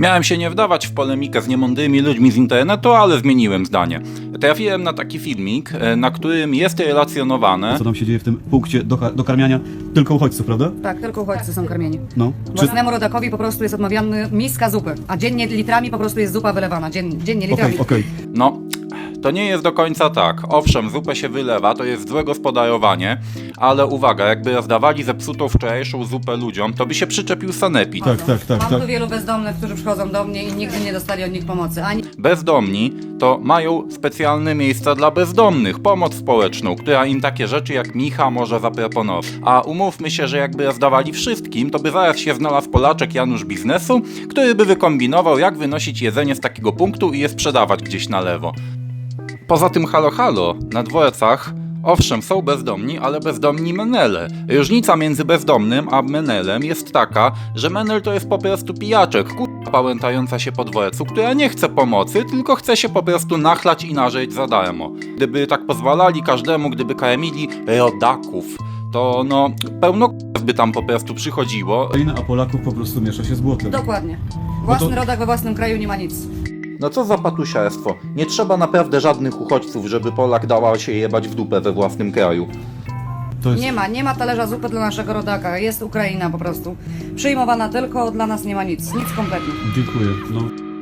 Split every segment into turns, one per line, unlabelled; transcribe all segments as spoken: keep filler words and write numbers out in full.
Miałem się nie wdawać w polemikę z niemądrymi ludźmi z internetu, ale zmieniłem zdanie. Trafiłem na taki filmik, na którym jest relacjonowane,
Co tam się dzieje w tym punkcie do, do karmiania tylko uchodźców, prawda?
Tak, tylko uchodźcy są karmieni.
No. Czy...
Własnemu rodakowi po prostu jest odmawiany miska zupy, a dziennie litrami po prostu jest zupa wylewana. Dziennie, dziennie litrami.
Okej, okej.
no... To nie jest do końca tak. Owszem, zupę się wylewa, to jest złe gospodarowanie, ale uwaga, jakby rozdawali zepsutą wczorajszą zupę ludziom, to by się przyczepił sanepid.
Tak, tak, tak,
Mam
tak.
tu wielu bezdomnych, którzy przychodzą do mnie i nigdy nie dostali od nich pomocy. Ani
Bezdomni to mają specjalne miejsca dla bezdomnych, pomoc społeczną, która im takie rzeczy jak Micha może zaproponować. A umówmy się, że jakby rozdawali wszystkim, to by zaraz się znalazł Polaczek Janusz biznesu, który by wykombinował, jak wynosić jedzenie z takiego punktu i je sprzedawać gdzieś na lewo. Poza tym halo halo, na dworcach owszem są bezdomni, ale bezdomni menele. Różnica między bezdomnym a menelem jest taka, że menel to jest po prostu pijaczek, kurwa pałętająca się po dworcu, która nie chce pomocy, tylko chce się po prostu nachlać i nażeć za darmo. Gdyby tak pozwalali każdemu, gdyby karmili rodaków, to no pełno k***w by tam po prostu przychodziło.
A Polaków po prostu miesza się z błotem.
dokładnie. Własny
No to-
rodak we własnym kraju nie ma nic.
No co za patusiarstwo. Nie trzeba naprawdę żadnych uchodźców, żeby Polak dała się jebać w dupę we własnym kraju.
To jest...
Nie ma, nie ma talerza zupy dla naszego rodaka. Jest Ukraina po prostu. Przyjmowana tylko, dla nas nie ma nic. Nic kompletnie.
Dziękuję. No.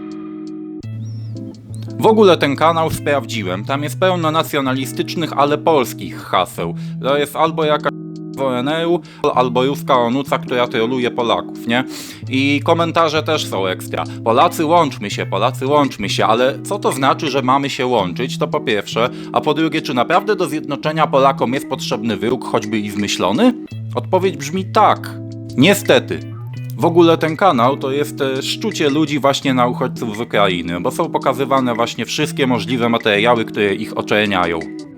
W ogóle ten kanał sprawdziłem, tam jest pełno nacjonalistycznych, ale polskich haseł. To jest albo jakaś z O N R-u, albo ruska onuca, która troluje Polaków, nie? I komentarze też są ekstra. Polacy łączmy się, Polacy łączmy się, ale co to znaczy, że mamy się łączyć? To po pierwsze, a po drugie, czy naprawdę do zjednoczenia Polakom jest potrzebny wróg, choćby i zmyślony? Odpowiedź brzmi tak. Niestety. W ogóle ten kanał to jest e, szczucie ludzi właśnie na uchodźców z Ukrainy, bo są pokazywane właśnie wszystkie możliwe materiały, które ich oczerniają.